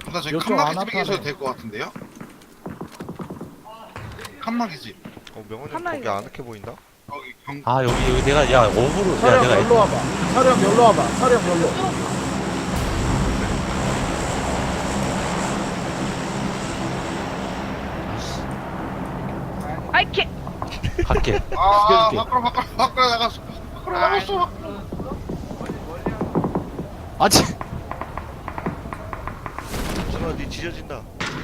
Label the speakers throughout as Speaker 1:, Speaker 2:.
Speaker 1: 나 저기
Speaker 2: 요쪽
Speaker 1: 칸막이
Speaker 2: 안
Speaker 1: 집에 계셔도
Speaker 2: 아파요.
Speaker 1: 될 것 같은데요? 칸막이 집.
Speaker 3: 명원이
Speaker 4: 하나에
Speaker 3: 거기 아늑해 보인다?
Speaker 1: 거기 경.
Speaker 5: 아 여기 내가 야 어부로 야
Speaker 2: 차량
Speaker 5: 내가
Speaker 2: 열로 와봐. 차량 열로 와봐. 차량 열로.
Speaker 4: 아이 개.
Speaker 5: 갈게.
Speaker 1: 아,
Speaker 5: 시켜줄게.
Speaker 1: 밖으로 나갔어. 밖으로 나갔어.
Speaker 5: 아치.
Speaker 3: 준아 니 지져진다.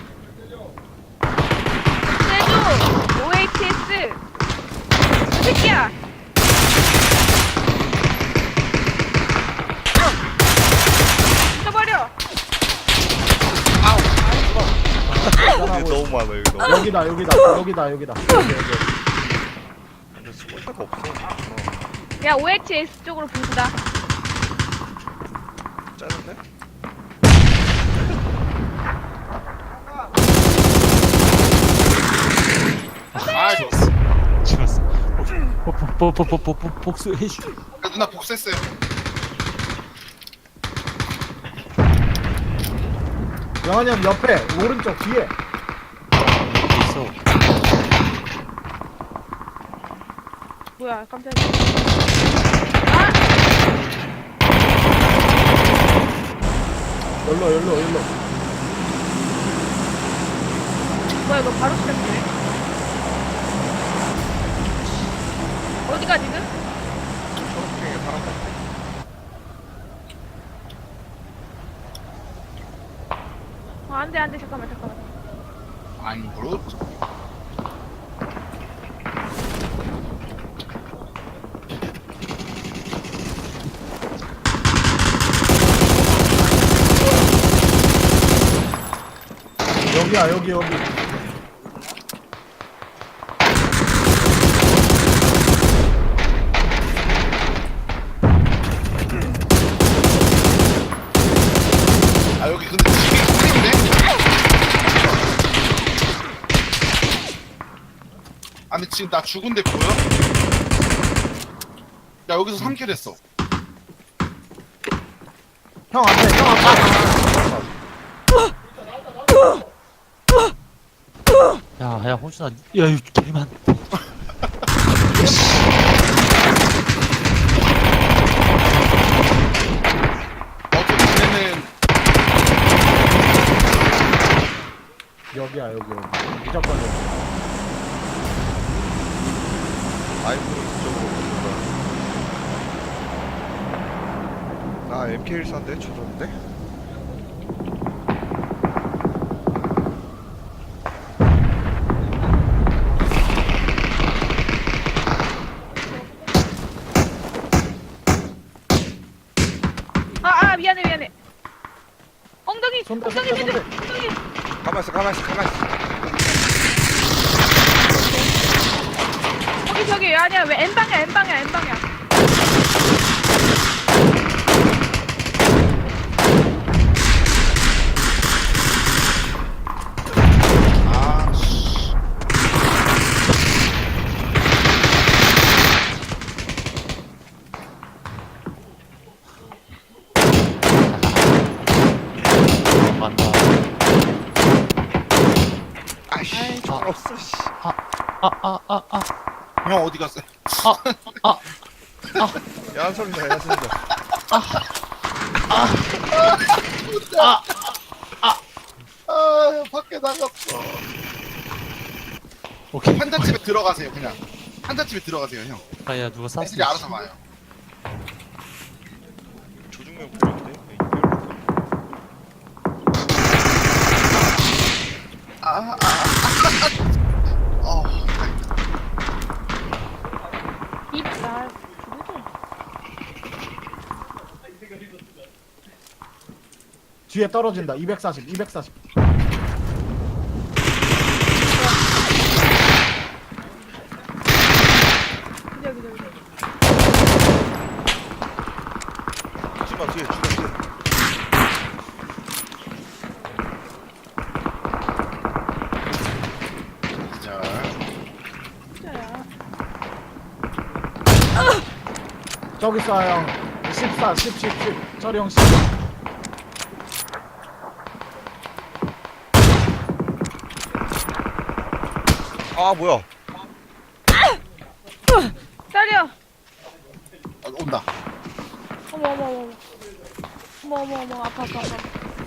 Speaker 4: 세주 OATS. 이 새끼야. 잊어버려.
Speaker 3: 근데 너무 많아 여기 너무.
Speaker 2: 여기다 여기다 여기다 여기다. 여기.
Speaker 3: 근데 숨을 데가 없어.
Speaker 4: 야 OATS 쪽으로 분다.
Speaker 3: 짜는데?
Speaker 1: 아, 저.
Speaker 5: 죽었어. 복수해줘.
Speaker 1: 누나 복수했어요.
Speaker 2: 영환이 형 옆에 오른쪽 뒤에.
Speaker 5: 있어.
Speaker 4: 뭐야 깜짝이야. 아
Speaker 2: 열로.
Speaker 4: 뭐야 이거 바로 시작돼. 어디가 지금?
Speaker 3: 초록색에 사람 같아.
Speaker 4: 안돼 잠깐만.
Speaker 1: 안 그렇.
Speaker 2: 여기야 여기.
Speaker 1: 아, 여기 근데 집이 큰인데? 아니 지금 나 죽은데 보여? 야 여기서 3킬 했어.
Speaker 2: 형 앞에 형 앞에.
Speaker 5: 야 호준아. 야 이거 개만.
Speaker 1: 어차피 걔네는
Speaker 2: 여기야 여기. 무조건 여기.
Speaker 3: 아이프로 이쪽으로 보는 거야. 나 MK14인데 조졌는데?
Speaker 4: 미안해. 엉덩이
Speaker 2: 손대,
Speaker 4: 엉덩이
Speaker 2: 손대,
Speaker 4: 미드
Speaker 2: 손대.
Speaker 4: 엉덩이.
Speaker 3: 가만있어.
Speaker 4: 저기 아니야 왜 N방이야.
Speaker 1: 아 씨.
Speaker 5: 간다.
Speaker 3: 아이씨 죽었어 씨.
Speaker 1: 형 어디 갔어요?
Speaker 3: 야한 소리다 야한 소리다.
Speaker 1: 아 밖에 나갔어.
Speaker 5: 오케이.
Speaker 1: 환자집에 들어가세요 그냥. 환자집에 들어가세요 형.
Speaker 5: 아야 누가 쐈어.
Speaker 1: 애들이 알아서 와요.
Speaker 3: 조중명 보이는데?
Speaker 1: 어.
Speaker 4: 입나
Speaker 2: 뒤에 떨어진다. 240.
Speaker 4: 기다려.
Speaker 3: 주마 뒤에.
Speaker 1: 자.
Speaker 4: 진짜야.
Speaker 2: 저기 쏴 형. 14, 10. 저리 형 10.
Speaker 3: 아 뭐야?
Speaker 4: 때려.
Speaker 1: 온다.
Speaker 4: 어머 어머 어머. 어머 어머 어머 아파 아파 아파.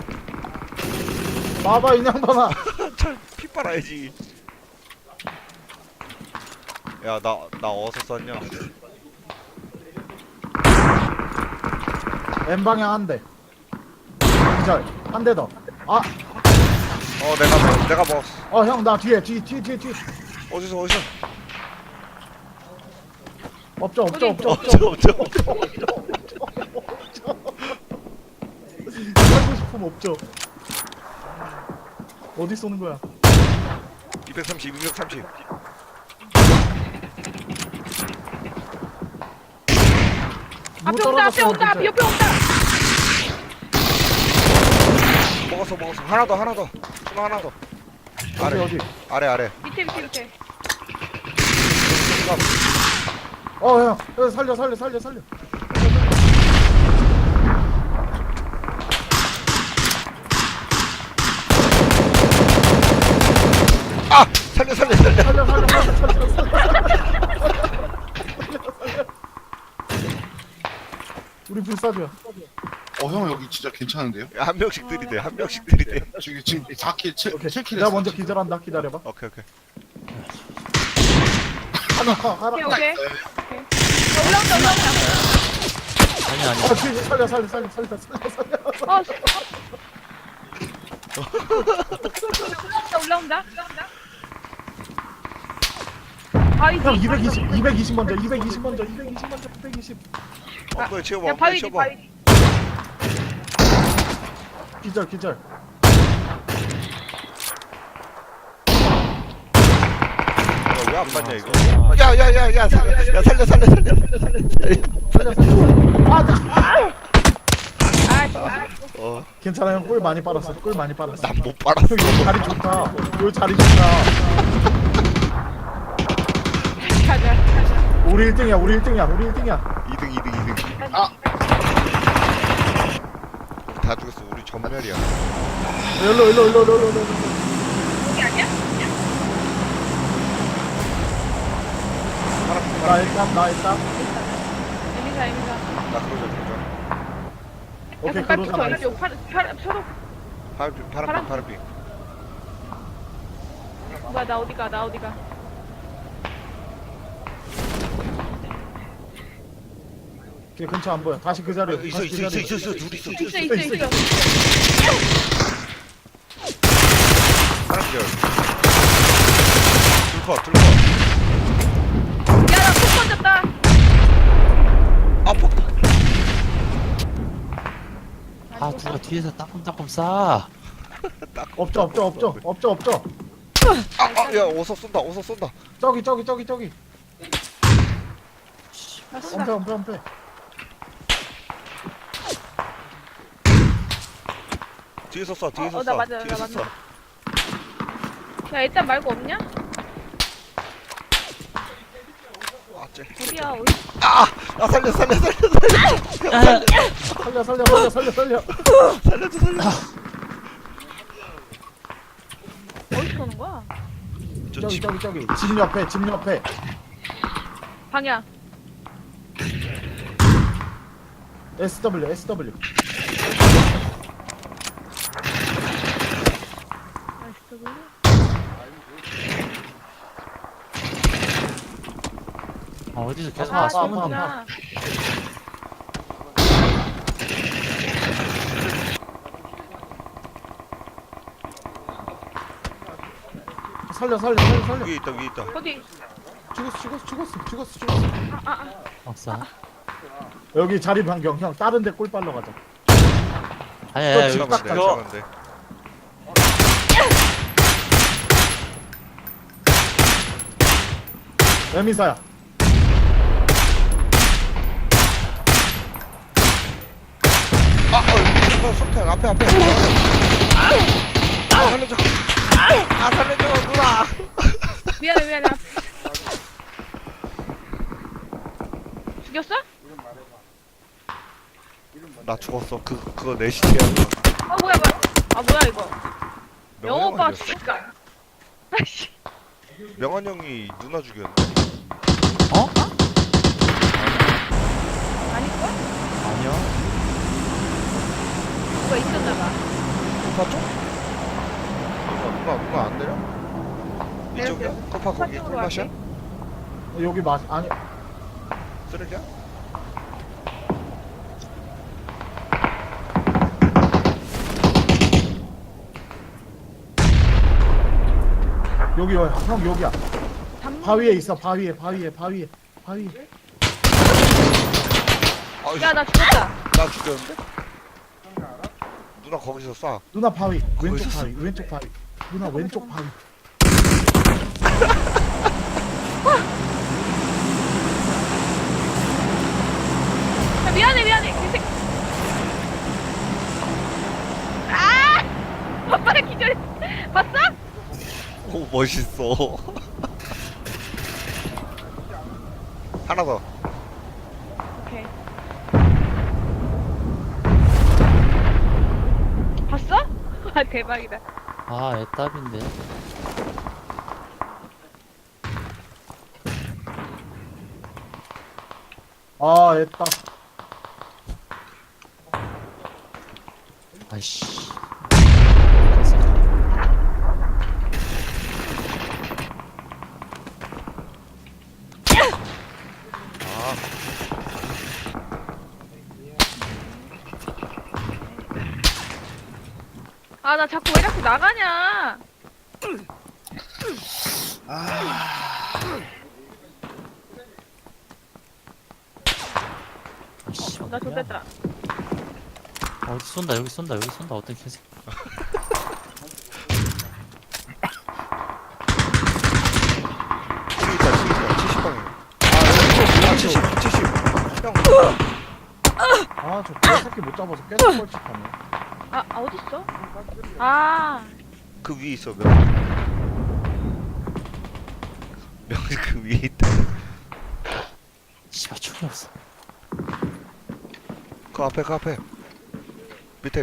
Speaker 2: 봐봐 이 양반아.
Speaker 3: 피 빨아야지. 야 나 어디서 쐈냐?
Speaker 2: N 방향 한 대. 기절. 한 대 더. 아,
Speaker 3: 내가 먹었어.
Speaker 2: 형 나 뒤에 뒤.
Speaker 3: 어디서?
Speaker 2: 없죠.
Speaker 3: 없죠.
Speaker 2: 살고 싶으면 없죠. 어디 쏘는 거야?
Speaker 3: 230.
Speaker 4: 앞에 온다 앞에 온다 앞에 옆에 온다.
Speaker 3: 먹었어. 하나 더. 수나 하나 더.
Speaker 2: 어디?
Speaker 3: 아래.
Speaker 4: 밑에.
Speaker 2: 형 살려.
Speaker 3: 아! 살려.
Speaker 2: 살려. 우리 불사조야.
Speaker 1: 형 여기 진짜 괜찮은데요?
Speaker 3: 야, 한 명씩 들이대.
Speaker 1: 저기 지금 4킬, 7킬
Speaker 2: 내가 먼저 기절한다. 기다려봐.
Speaker 3: 오케이.
Speaker 2: 하나.
Speaker 4: 오케이.
Speaker 1: 네.
Speaker 4: 올라온다.
Speaker 5: 아니.
Speaker 2: 뒤에 살려.
Speaker 4: 올라온다. 아 이제
Speaker 2: 형 220 먼저. 220.
Speaker 3: 엉덩이 채워봐.
Speaker 4: 야
Speaker 3: 엉덩이
Speaker 4: 바위지
Speaker 3: 채워봐.
Speaker 4: 바위지.
Speaker 2: 기절.
Speaker 3: 왜 안 맞냐 이거? 야 살려.
Speaker 2: 살려.
Speaker 3: 어,
Speaker 2: 괜찮아 형. 꿀 많이 빨았어.
Speaker 3: 난 못 빨았어.
Speaker 2: 형 여기 자리 좋다. 여기 자리 좋다.
Speaker 4: 가자.
Speaker 2: 우리 1등이야.
Speaker 3: 2등.
Speaker 1: 아!
Speaker 3: 다 죽었어. 우리 전멸이야.
Speaker 2: 일로.
Speaker 4: 여기 아니야?
Speaker 2: 나 일단.
Speaker 4: 여기가.
Speaker 3: 나 그러자.
Speaker 2: 오케이,
Speaker 4: 빨리
Speaker 2: 그러잖아.
Speaker 4: 붙어. 서로.
Speaker 3: 파란빛.
Speaker 4: 뭐야 나 어디가?
Speaker 2: 걔 근처 안 보여. 다시 그 자리에.
Speaker 3: 있어. 둘 있어.
Speaker 4: 있어.
Speaker 3: 파란빛. 둘 컷.
Speaker 4: 야나 폭 던졌다.
Speaker 3: 아, 폭.
Speaker 5: 아 누가 뒤에서 따끔따끔 쏴.
Speaker 2: 없죠.
Speaker 3: 야, 어서 쏜다.
Speaker 2: 저기.
Speaker 4: 맞다.
Speaker 2: 엄폐.
Speaker 3: 뒤에서 쏴.
Speaker 4: 나 맞아. 야 일단 말고 없냐?
Speaker 3: 아, 쟤.
Speaker 4: 어디야?
Speaker 3: 아, 살려.
Speaker 2: 살려.
Speaker 4: 어디서 오는 거야?
Speaker 2: 저기. 집 옆에.
Speaker 4: 방향.
Speaker 2: SW.
Speaker 5: 어디서 계속
Speaker 4: 아
Speaker 5: 왔어.
Speaker 4: 저구나.
Speaker 2: 살려.
Speaker 3: 위에 있다.
Speaker 4: 어디?
Speaker 2: 죽었어.
Speaker 5: 없어.
Speaker 2: 여기 자리 변경. 형 다른 데 꿀 빨러 가자.
Speaker 5: 아니.
Speaker 2: 집 딱
Speaker 3: 잠깐만.
Speaker 2: 에미사야.
Speaker 3: 석탄 앞에. 살려줘. 살려줘, 누나.
Speaker 4: 미안해. 죽였어?
Speaker 3: 나 죽었어. 그거 내 시체야.
Speaker 4: 뭐야. 아 뭐야 이거.
Speaker 3: 명호
Speaker 4: 영호 오빠
Speaker 3: 형이었어.
Speaker 4: 죽을까? 아이씨.
Speaker 3: 명한 형이 누나 죽였네.
Speaker 5: 어?
Speaker 4: 아닐걸?
Speaker 5: 아니야.
Speaker 4: 뭐가 있었나봐.
Speaker 3: 코파 쪽? 누나 안 내려? 이쪽이야? 코파 거기
Speaker 4: 쪽으로
Speaker 3: 꿀맛이야?
Speaker 4: 갈게.
Speaker 2: 여기 아니
Speaker 3: 쓰레기야?
Speaker 2: 여기 형 여기야.
Speaker 4: 담-
Speaker 2: 바위에 있어. 바위에.
Speaker 3: 아,
Speaker 4: 야, 나 죽었다.
Speaker 3: 나 죽였는데? 누나 거기서 쏴.
Speaker 2: 누나 바위. 왼쪽
Speaker 3: 거기서
Speaker 2: 바위. 왼쪽 바위. 누나 왼쪽 바위.
Speaker 4: 야, 미안해. 개새. 아! 아빠를 기절. 봤어?
Speaker 3: 오 멋있어. 하나 더.
Speaker 4: 오케이. 봤어? 아, 대박이다.
Speaker 5: 아, 애답인데.
Speaker 2: 아, 했다.
Speaker 5: 아이씨.
Speaker 4: 아, 나 자꾸 왜 자꾸 나가냐?
Speaker 5: 아이씨.
Speaker 4: 나 좋댔다.
Speaker 5: 어디 쏜다, 여기 쏜다, 어떤 개새.
Speaker 3: 저기 있다 70방에. 아 70. 형.
Speaker 2: 아, 저 개새끼 못 잡아서 계속 뻘짓하네.
Speaker 4: 아, 어딨어? 아,
Speaker 3: 그 위에 있어 명. 명이 그 위에 있다.
Speaker 5: 씨발, 총이 없어.
Speaker 3: 그 앞에. 밑에.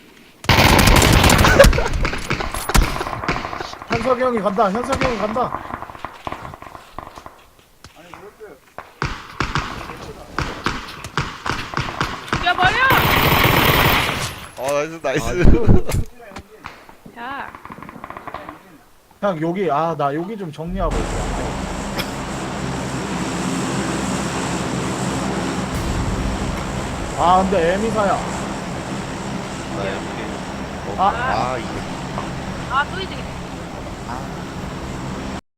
Speaker 2: 현석이 형이 간다.
Speaker 4: 죽여버려!
Speaker 3: 나이스.
Speaker 4: 자,
Speaker 2: 형 여기 나 여기 좀 정리하고 있어. 아, 근데 에미사야.
Speaker 3: 이게.
Speaker 4: 아, 또 이득이네.